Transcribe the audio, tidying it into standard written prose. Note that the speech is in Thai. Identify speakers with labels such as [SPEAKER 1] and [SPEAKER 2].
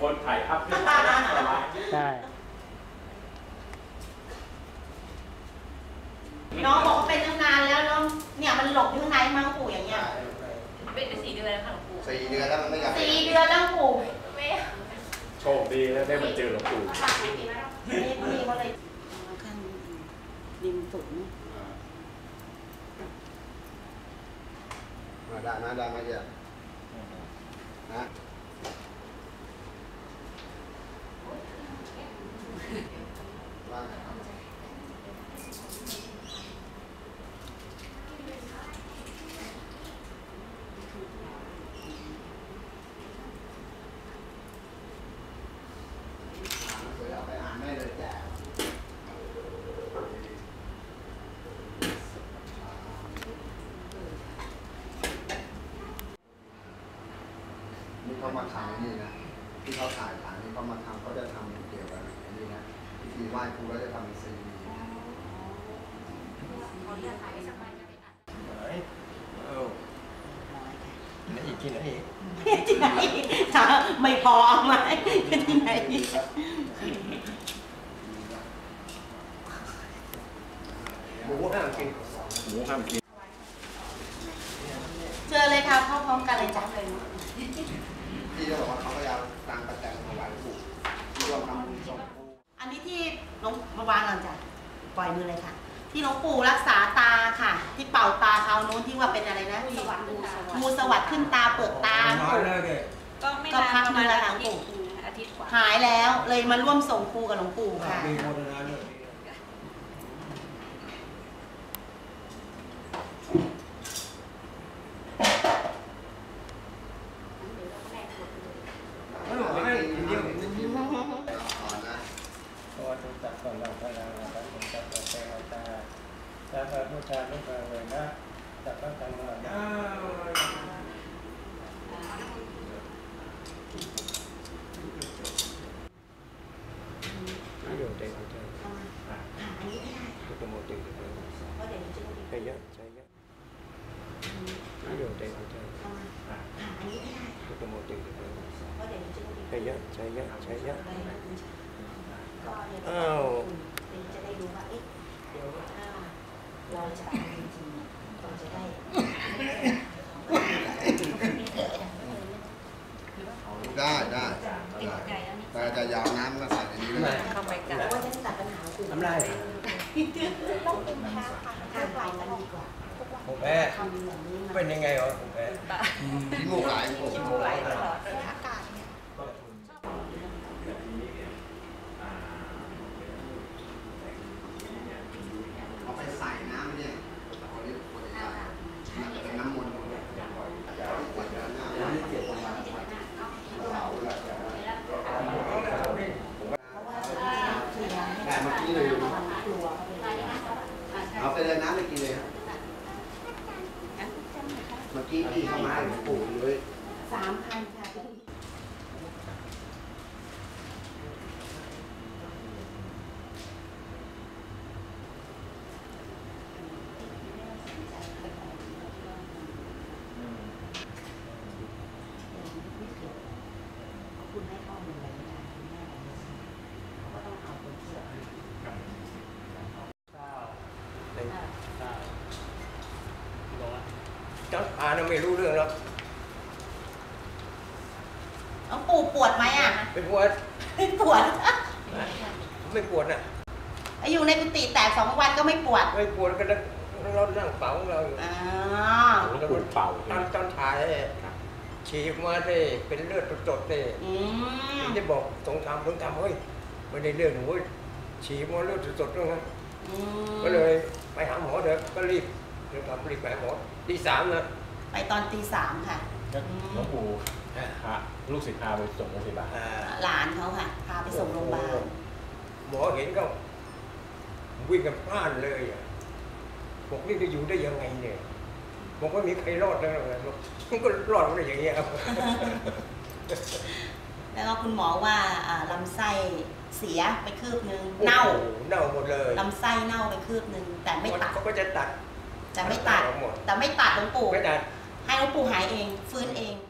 [SPEAKER 1] นถ่ายอัพขึ้น
[SPEAKER 2] ใช่
[SPEAKER 3] น้องบอกว่าเป็นตั้งนานแล้วน้องเนี่ยมันหลบอยู่ข้างในมั้งปู่อย่างเงี้ย
[SPEAKER 4] เป็นไป4 เดือนแล้วค่ะหลวงปู่
[SPEAKER 5] 4 เดือนแล้วมันไม่อยาก
[SPEAKER 3] 4 เดือนแล้วปู่
[SPEAKER 4] ไม่
[SPEAKER 1] โชคดีแล้วได้มาเจอหลวงปู่
[SPEAKER 3] นี่เขาเลยขั้นริมสุดนี่
[SPEAKER 5] มาได้มาเยอะนะว่าไงครับเอาไปอ่านได้เลยแจกนี่เขามาทำนี่นะที่เขาถ่ายนี่เขามาทำเขาจะทำเกี่ยวกับนี่นะพิธีไหว้ครูแล้วจะทำซีดี
[SPEAKER 4] เขาเลือกถ่ายสักวันจะไปอัด
[SPEAKER 1] นี่อีกกินอีก
[SPEAKER 3] ที่ไหนถ้าไม่พอเอาไหมที่ไหน
[SPEAKER 5] หมูห้ามกิน
[SPEAKER 3] เจอเลยค่ะเข้าพร้อมกันเลยจ้ะเลย
[SPEAKER 5] ที่เขาบอกว่าเขาพยายามตั้งประแจมาไว้ถูกที่ร่วมทำบุญส่งครู
[SPEAKER 3] อันนี้ที่หลวงมาวางก่อนจ้ะปล่อยมือเลยค่ะที่หลวงปู่รักษาตาค่ะที่เป่าตาเขาโน้นที่ว่าเป็นอะไรนะงูสวัสดิ์ขึ้นตาเปิดตา
[SPEAKER 4] ก็พักมาแล้วอาทิตย์กว่า
[SPEAKER 3] หายแล้วเลยมาร่วมส่งครูกับหลวงปู่ค่ะ
[SPEAKER 2] จับก่อนเราพลังนะครับผมจับตัวแทนตาจับพระพุทธานุภาเวนะจับพระธรรมนะอยู่เต็มใจทุกโมติใช่เยอะอยู่เต็มใจทุกโมติใช่เยอะอ้าว
[SPEAKER 3] จะได้รู้ว่าเราจะทำจริงๆเราจะได้
[SPEAKER 5] แต่จะยาวน้ำมาใส่ในนี้เลย
[SPEAKER 4] เข้าไปกัน
[SPEAKER 3] ว่าจะตัดปัญหาคือ
[SPEAKER 2] ทำได้
[SPEAKER 3] ต้องเป็นแค่ทางไปกันดีกว่า
[SPEAKER 2] ผมแพ้เป็นยังไงวะผมแพ้
[SPEAKER 5] ที่มูกไหล
[SPEAKER 4] ตลอด
[SPEAKER 3] อากาศเนี่ย
[SPEAKER 5] เอาไปใส่น้ำเนี่ยเอาเรียกเป็นน้ำมนต์แต่เมื่อกี้เลยเอาไปเลยน้ำไปกินเลยครับเมื่อกี้ที่เข้ามาให้ผมปลูกเลย
[SPEAKER 3] 3,000ค่ะคุณให้ข้อมูลอะไรไม่ได้คุณแม่เขาก็ต้องเอาตัวเชื่อ
[SPEAKER 2] เจ้าอาไม่รู้เรื่องหรอก
[SPEAKER 3] น้องปู่ปวดไหมอ่ะ
[SPEAKER 2] ไม่ปวด
[SPEAKER 3] ไม่ปวด
[SPEAKER 2] น่ะ
[SPEAKER 3] อยู่ในกุฏิแต่2 วันก็ไม่ปวด
[SPEAKER 2] ก็เรานั่งเป่าเราอยู่
[SPEAKER 1] แล้วก็เป่า
[SPEAKER 2] ตอนถ่ายฉีกมาเลยเป็นเลือดสดเลยที่บอกสงครามเฮ้ยไม่ได้เลือดหนูฉีกมาเลือดสดด้วยนะก็เลยไปหาหมอเถอะก็รีบไปหาหมอตี 3นะ
[SPEAKER 3] ไปตอนตี 3ค่ะ
[SPEAKER 1] หลวงปู่ลูกศิษย์พาไปส่งโรงพยาบาล
[SPEAKER 3] หลานเขาค่ะพาไปส่งโรงพยาบาล
[SPEAKER 2] หมอเห็นก็วิ่งกันพลาดเลยบอกนี่จะอยู่ได้ยังไงเนี่ยบอกว่ามีใครรอดแล้วมันก็รอดได้อย่างเงี้ยครับ
[SPEAKER 3] แล้วก็คุณหมอว่าลำไส้เสียไปคืบนึงเน่า
[SPEAKER 2] หมดเลย
[SPEAKER 3] ลำไส้เน่าไปคืบนึงแต่ไม่ตัด
[SPEAKER 2] เขาก็จะตัด
[SPEAKER 3] แต่ไม่ตัดหลวงปู่
[SPEAKER 2] ไม่ตัด
[SPEAKER 3] ให้หลวงปู่หายเองฟื้นเอง